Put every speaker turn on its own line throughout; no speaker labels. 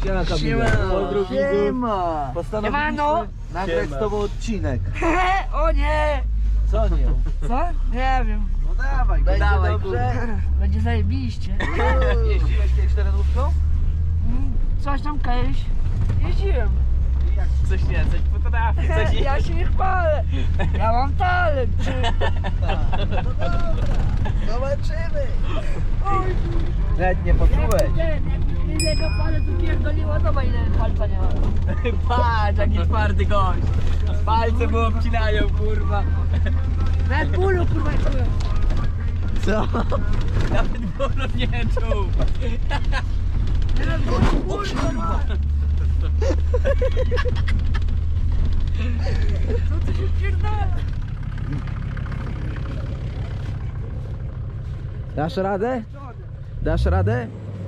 Siema Kamil.
Siema.
Postanowiliśmy nagrać z tobą odcinek.
O nie!
Co nie?
Co? Nie wiem.
No dawaj, będzie
Dawaj,
dobrze.
Będzie zajebiście.
Jeździłeś kiedyś terenówką?
Coś tam kiedyś jeździłem.
Coś nie, coś potrafi, coś
Ja się nie chwalę. Ja mam talent.
No dobra, zobaczymy.
Oj,
Nawet nie poczułeś.
Ile go palę tu pierdoliło, zobacz ile palca nie ma.
Patrz, jaki twardy gość. Palce mu obcinają, kurwa.
Nawet bólu kurwa czułem.
Co?
Nawet bólu nie czuł.
Nawet bólu kurwa. Co ty się pierdala?
Dasz radę? Dasz radę?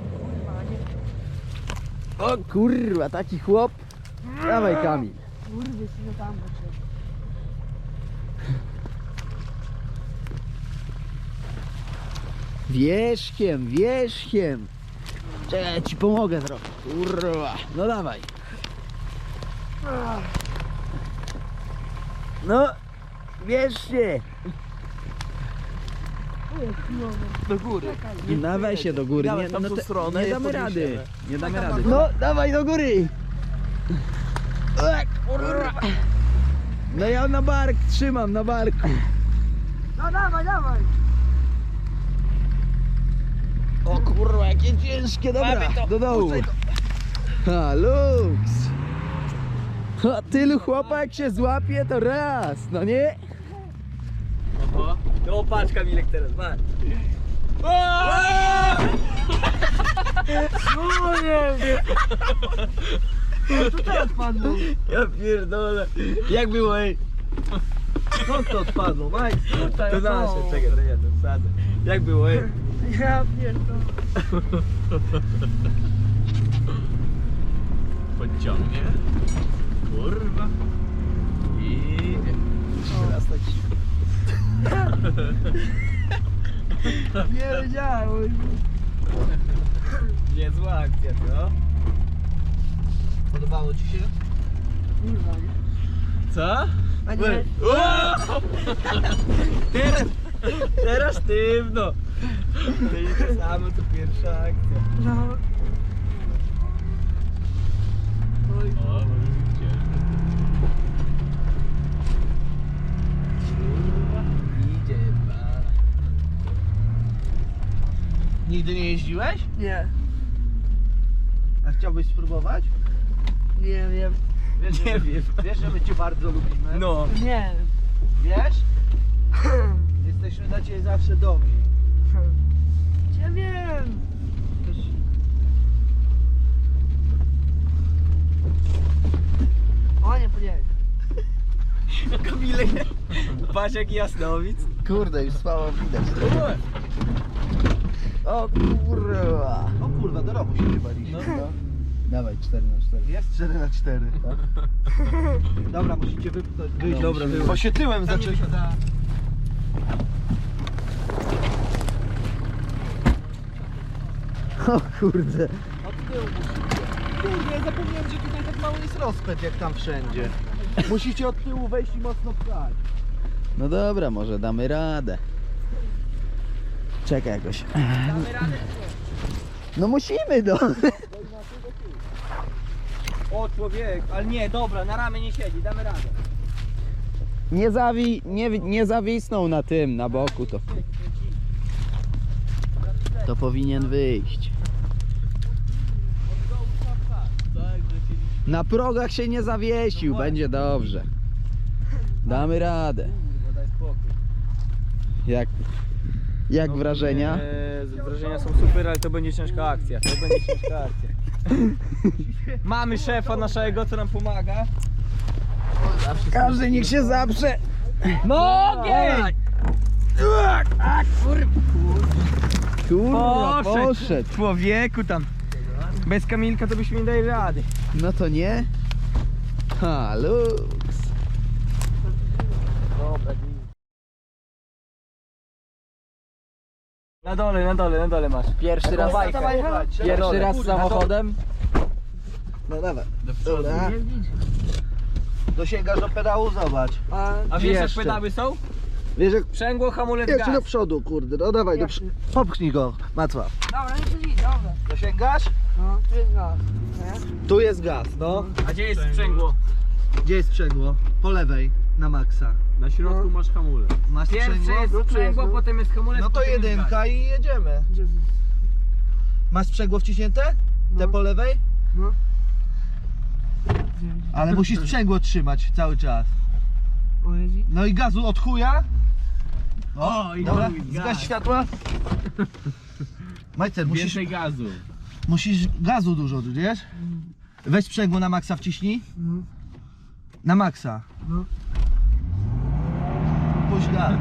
O kurwa, taki chłop. Dawaj Kamil.
Kurwy, co tam potrzeba.
Wierzchiem, wierzchiem. Czekaj, ja ci pomogę trochę. Kurwa. No dawaj. No, wierzcie.
Do góry.
Dawaj się do góry.
Dawaj
Nie,
tam
no
tą
te,
stronę
nie
i
damy
podniesiemy.
rady. Nie damy rady. No, dawaj do góry. Kurwa. No ja na bark trzymam, na barku.
No dawaj, dawaj.
O kurwa, jakie ciężkie, dobra,
Mamy to,
do dołu.
puszczaj
Ha, luks. A tylu chłopak się złapie, to raz, no nie?
No patrz Kamilek teraz, patrz.
No nie. Co teraz padło?
Ja pierdolę. Jak było, ej?
Skąd to odpadło, Majk?
To nasze, czekaj, to ja to wsadzę. Jak było, ej?
Ja pierdolę.
Podciągnie. Kurwa. I...
Teraz tak
Nie wiedziałem.
Niezła akcja, co?
podobało ci się?
Kurwa, nie?
Co?
A nie.
Teraz, teraz sztywno. To jest to samo, co pierwsza akcja.
No. Oj,
O, może być ciężko. Idzie pan.
Nigdy nie jeździłeś?
nie.
A chciałbyś spróbować?
Nie wiem.
Wiesz,
Nie wiem.
Wiesz, że my cię bardzo lubimy?
No.
Nie.
Wiesz? Jesteśmy dla ciebie zawsze dobrzy.
Ja wiem. O nie, podjechać.
Kamilek. Patrz jaki jasnowic.
Kurde, już słabo widać. O kurwa.
O kurwa, do roku się nie baliśmy.
No.
Dawaj, 4x4.
Jest 4x4. Dobra, musicie wypchnąć. Wyjść.
Dobra, wyłóż.
Bo się tyłem zaczęli.
O kurde.
Od tyłu musicie. Kurde, ja zapomniałem, że tutaj tak mały jest rozpęd jak tam wszędzie. Musicie od tyłu wejść i mocno pchać.
No dobra, może damy radę. Czekaj jakoś.
Damy radę.
No musimy, no.
O człowiek, ale nie, dobra, na ramię nie siedzi, damy radę.
Nie zawisnął na tym, na boku to. To powinien wyjść. Na progach się nie zawiesił, będzie dobrze. Damy radę.
Daj spokój.
Jak wrażenia?
Wrażenia są super, ale to będzie ciężka akcja. To będzie ciężka akcja. Mamy szefa naszego, co nam pomaga.
Każdy niech się zaprze.
Nogi!
Kurwa, poszedł.
Człowieku tam. Bez Kamilka to byśmy nie dali rady.
No to nie? Ha, luks.
Dobra, na dole masz.
Pierwszy raz,
Taką bajkę.
pierwszy raz samochodem?
No dawaj.
Do przodu.
Dobra.
Jeździć.
Dosięgasz do pedału, zobacz.
A wiesz jak
Jeszcze.
pedały są?
Wiesz jak...
Sprzęgło, hamulec,
Jeszcze do
gaz.
przodu, kurde. No dawaj, popchnij go, Macław.
Dobra, nie siedzi, dobra.
Dosięgasz?
No, tu jest gaz. Nie?
Tu jest gaz, no.
A gdzie jest sprzęgło?
Gdzie jest sprzęgło? Po lewej, na maksa.
Na środku masz hamulec.
Masz
Pierwsze
sprzęgło?
jest sprzęgło,
no.
potem jest hamulec,
No to
potem jest gaz.
jedynka i jedziemy.
Gdzie?
Masz sprzęgło wciśnięte? Te
No.
po lewej?
No.
Ale musisz sprzęgło trzymać cały czas.
O, jeździ.
No i gazu od chuja.
O, i
Dobra,
chuj, gaz.
zgaś światła. Majcer,
Więcej gazu.
musisz gazu dużo, wiesz? Weź sprzęgło na maksa wciśnij.
No.
Na maksa.
No.
Puść gaz.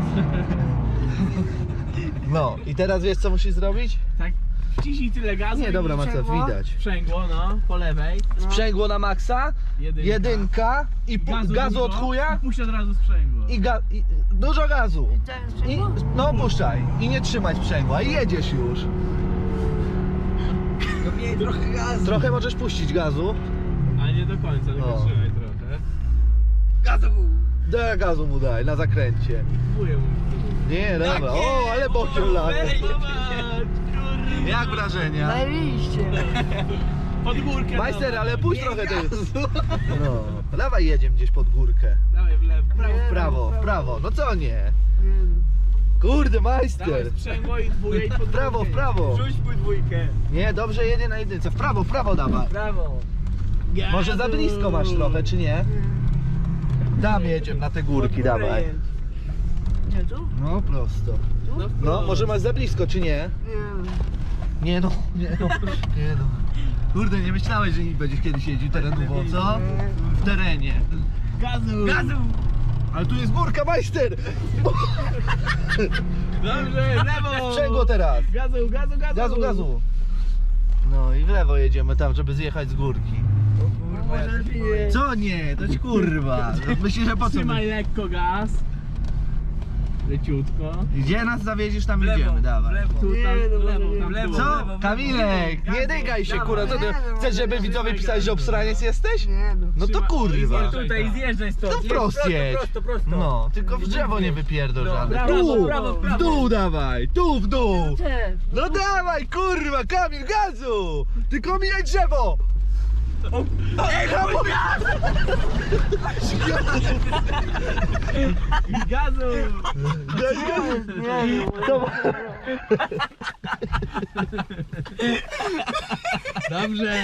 No i teraz wiesz co musisz zrobić?
Tak, wciśnij tyle gazu.
Nie,
i
dobra Macław,
sprzęgło?
widać.
Sprzęgło, no, po lewej.
Sprzęgło na maksa, jedynka i gazu
dużo,
od chuja
i puść od razu sprzęgło.
i dużo gazu.
I ten
I,
sprzęgło?
no puszczaj i nie trzymaj sprzęgła i jedziesz już.
No miej trochę gazu.
Trochę możesz puścić gazu.
A nie do końca, tylko
O.
trzymaj trochę.
Gazu.
Daj gazu mu daj na zakręcie.
Próbuję mu.
Nie, dobra. O, ale bokiem lata.
Zobacz, kurde.
Jak wrażenia?
Zajebiście.
Pod górkę.
Majster,
dawaj.
ale puść trochę tej. No, dawaj jedziemy gdzieś pod górkę.
Dawaj w lewo, prawo.
W prawo, w prawo. No co nie?
Nie no.
Kurde,
Dawaj
majster.
sprzęgło i dwójkę i pod
W prawo, w
górkę.
prawo.
Rzuć pół dwójkę.
Nie, dobrze jedzie na jedynce. W prawo dawaj.
Brawo.
Gazu.
Może za blisko masz trochę, czy nie? Tam jedziemy na te górki, dawaj.
Gdzie tu?
No prosto.
No,
No, może masz za blisko, czy nie?
Nie no.
Nie no. Kurde, nie myślałeś, że będziesz kiedyś jeździł terenowo, co? W terenie.
Gazu.
Gazu.
Ale tu jest górka, majster!
Dobrze, w lewo.
Sprzęgło teraz.
Gazu.
Gazu. No i w lewo jedziemy tam, żeby zjechać z górki.
Może lepiej nie.
Co nie? To ci kurwa. Myślisz, że po co?
Trzymaj lekko gaz. Leciutko.
Gdzie nas zawieziesz, tam
W lewo,
idziemy,
w
dawaj.
lewo.
Tu, tam,
Nie, no,
w lewo,
może
tam
w lewo.
w
Co?
lewo.
Kamilek, nie dygaj się, kurwa. Co ty? Chcesz, żeby widzowie pisali, że obsraniec jesteś?
Nie no.
No to
Trzymaj-
kurwa.
Oj,
Tutaj zjeżdżaj stąd.
To
Jedź
wprost jedź.
Prosto.
No, tylko w drzewo nie wypierdol
No,
żadne.
prawo,
Tu,
prawo,
w dół dawaj, tu w dół.
Też.
No dawaj, kurwa, Kamil, gazu! Tylko mijaj drzewo! Ej, hamulec!
Gazu.
Nie no.
Dobrze.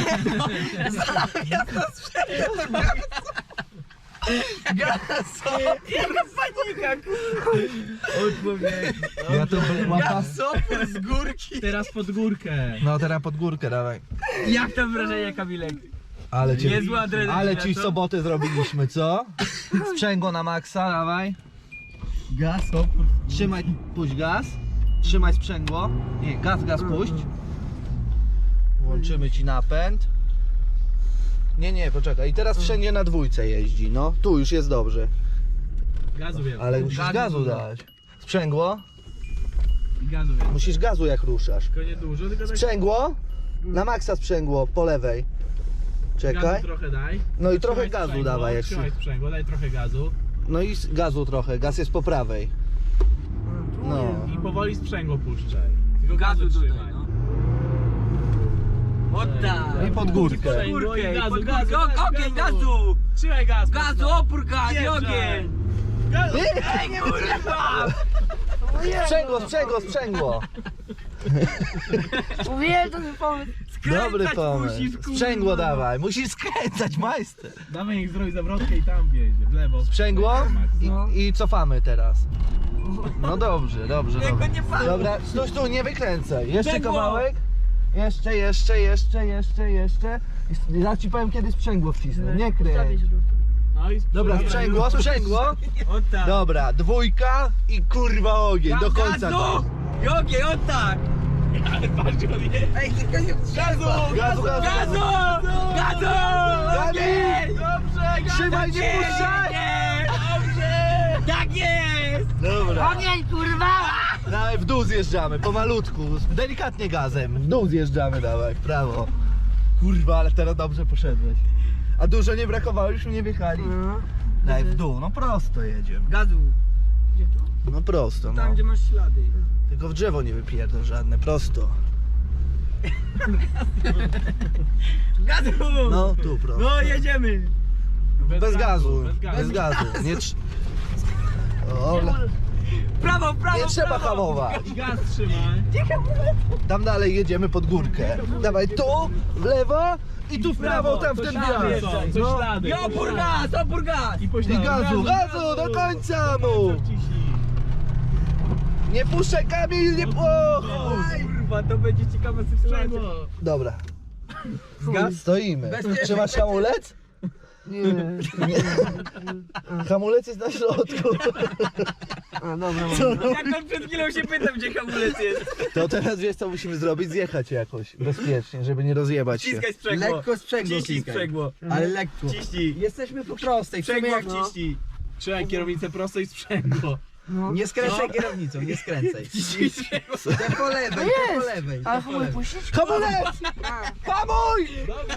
Ja to łapa.
Sopór z górki.
Teraz pod górkę.
No teraz pod górkę dawaj.
Jak tam wrażenie, Kamilek?
Ale cię,
Niezła adrenalina,
ale ci
co?
sobotę zrobiliśmy, co? Sprzęgło na maksa, dawaj.
Gaz, opór.
Trzymaj, puść gaz. Trzymaj sprzęgło. Nie, gaz puść. Włączymy ci napęd. Nie, poczekaj. I teraz wszędzie na dwójce jeździ, no. Tu już jest dobrze.
Gazu wiem.
Ale musisz
Gazu
gazu
dużo.
dać. Sprzęgło?
Gazu wiem.
Musisz gazu jak ruszasz.
Tylko nie dużo, tylko tak.
Sprzęgło? Na maksa sprzęgło, po lewej. Czekaj.
Gazu trochę daj.
No i trochę
Trzymaj
gazu
sprzęgło,
dawaj. Jak
Trzymaj sprzęgło, daj trochę gazu.
No i gazu trochę, gaz jest po prawej. No.
I powoli sprzęgło puszczaj. Tylko
Gazu
gazu
tutaj,
trzymaj.
no. O tak.
I pod górkę.
Sprzęgło i
Górkę,
gazu,
pod
gazu,
górkę.
gazu,
Ogień,
gazu.
gazu.
Trzymaj gaz.
Gazu,
mocno.
opór, gaz, i
Wjeżdżaj.
ogień.
Gazu.
Ej, kurwa.
Sprzęgło.
Mówiłem, to jest pomysł.
Dobry
Skręcać
pomysł.
musisz, kurwa.
Sprzęgło dawaj, musisz skręcać, majster.
Dawaj niech zrobi zawrotkę i tam wjedzie, w lewo.
Sprzęgło
No.
i cofamy teraz. No dobrze.
Tego nie palę.
Dobra, stój, nie wykręcaj. Jeszcze
Sprzęgło.
kawałek. Jeszcze. Ja ci powiem kiedy sprzęgło wcisnę, nie kręć.
No i
Dobra, sprzęgło.
O tak.
Dobra, dwójka i kurwa ogień, do końca.
Gazu. I ogień, o tak.
Ale patrz, on je.
Ej, tylko nie
Gazu!
Gazu! Gazu! Ogień!
Dobrze,
Trzymaj, nie puszczaj!
dobrze.
Tak jest!
Dobra,
Ogień, kurwa!
dawaj w dół zjeżdżamy, pomalutku, delikatnie gazem, w dół zjeżdżamy, dawaj, w prawo. Kurwa, ale teraz dobrze poszedłeś. A dużo nie brakowało, już nie wjechali.
No.
Daj w dół, no prosto jedziemy.
Gazu.
Gdzie tu?
No prosto,
Tam
no.
gdzie masz ślady.
Tylko w drzewo nie wypierdol żadne, prosto.
Gazu!
No tu prosto.
No jedziemy!
Bez gazu,
Bez
bez
gazu.
gazu. Nie o,
Prawo, prawo,
nie trzeba
prawo.
hamować.
I gaz trzymaj.
Tam dalej jedziemy pod górkę. Dawaj tu, w lewo i tu w prawo, tam w ten
ślady
wjazd.
są,
Coś
No.
ślady.
I opór gaz, opór gaz!
I
I gazu, gazu, do końca mu! Nie puszczaj, Kamil, nie
Kurwa, to będzie ciekawe sytuacja.
Dobra,
Gaz?
stoimy.
Bezpiecznie.
Trzymasz hamulec? Nie. Hamulec jest na środku.
A, dobra,
Jak on przed chwilą się pytał, gdzie hamulec jest.
To teraz wiesz co musimy zrobić? Zjechać jakoś bezpiecznie, żeby nie rozjebać się.
Ciskaj sprzęgło.
Lekko sprzęgło
Ciśnij
klikaj.
sprzęgło.
Ale lekko.
Ciśnij.
Jesteśmy po prostej.
Sprzęgło
jak
wciśnij.
Trzymaj kierownicę prosto i sprzęgło.
Nie skręcaj kierownicą, nie skręcaj.
Ciśnij sprzęgło.
Te po lewej, te po lewej.
ale
te po
hamuj
lewej.
puścić?
Hamulec! Hamuj!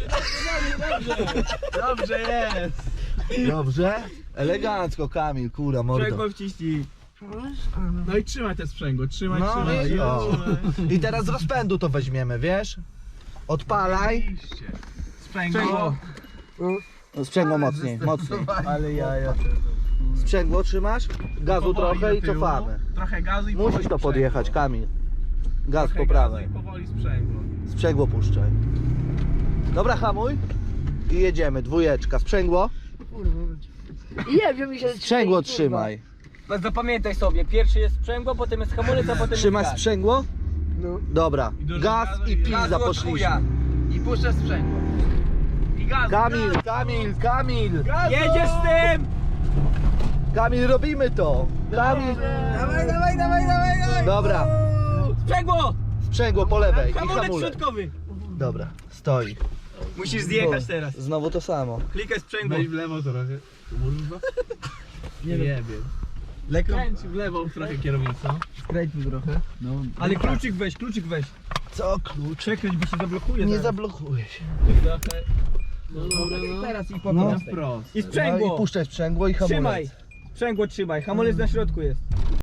Dobrze jest.
Dobrze? Elegancko, Kamil, kura, mordo.
Sprzęgło wciśnij.
No i trzymaj te sprzęgło, trzymaj,
No
trzymaj.
i o. I teraz z rozpędu to weźmiemy, wiesz? Odpalaj.
Sprzęgło.
Sprzęgło mocniej, mocniej.
Ale jaja.
Sprzęgło trzymasz, gazu
Powoli
trochę
do
i
tyłu,
cofamy.
Trochę gazu i
Musisz
powoli
to
sprzęgło.
podjechać, Kamil. Gaz
Trochę
po
gazu
prawej.
i powoli sprzęgło.
Sprzęgło puszczaj. Dobra, hamuj. I jedziemy, dwójeczka. Sprzęgło?
Nie wiem, mi się...
Sprzęgło trzymaj.
Zapamiętaj sobie, pierwszy jest sprzęgło, potem jest hamulec, a potem
Trzymasz
jest gaz.
sprzęgło?
No.
Dobra.
I dużo
Gaz
gazu
i
i
pizza
Gazu od
poszliśmy.
chuja. I puszczasz sprzęgło.
I gaz.
Kamil, Kamil, Kamil!
Jedziesz z tym!
Kamil, robimy to! Kamil!
Dawaj, dawaj, dawaj, dawaj, dawaj.
Dobra,
Sprzęgło!
sprzęgło po lewej i
Hamulec
hamulec.
środkowy!
Dobra, stoi.
Musisz zjechać teraz.
Znowu to samo.
Klikaj sprzęgło.
Weź w lewo trochę. Kurwa. Nie jebie.
Lekko
Kręć w lewo trochę kierownicą.
skręćmy trochę. No.
Ale kluczyk weź, kluczyk weź.
Co klucz?
Przekręć, bo się zablokuje
Nie
zaraz.
zablokuje się.
Trochę. No dobra, no.
Teraz i po
No.
prostej.
Wprost.
I
No
sprzęgło.
i puszczaj sprzęgło i hamulec.
Trzymaj. Sprzęgło trzymaj, hamulec na środku jest.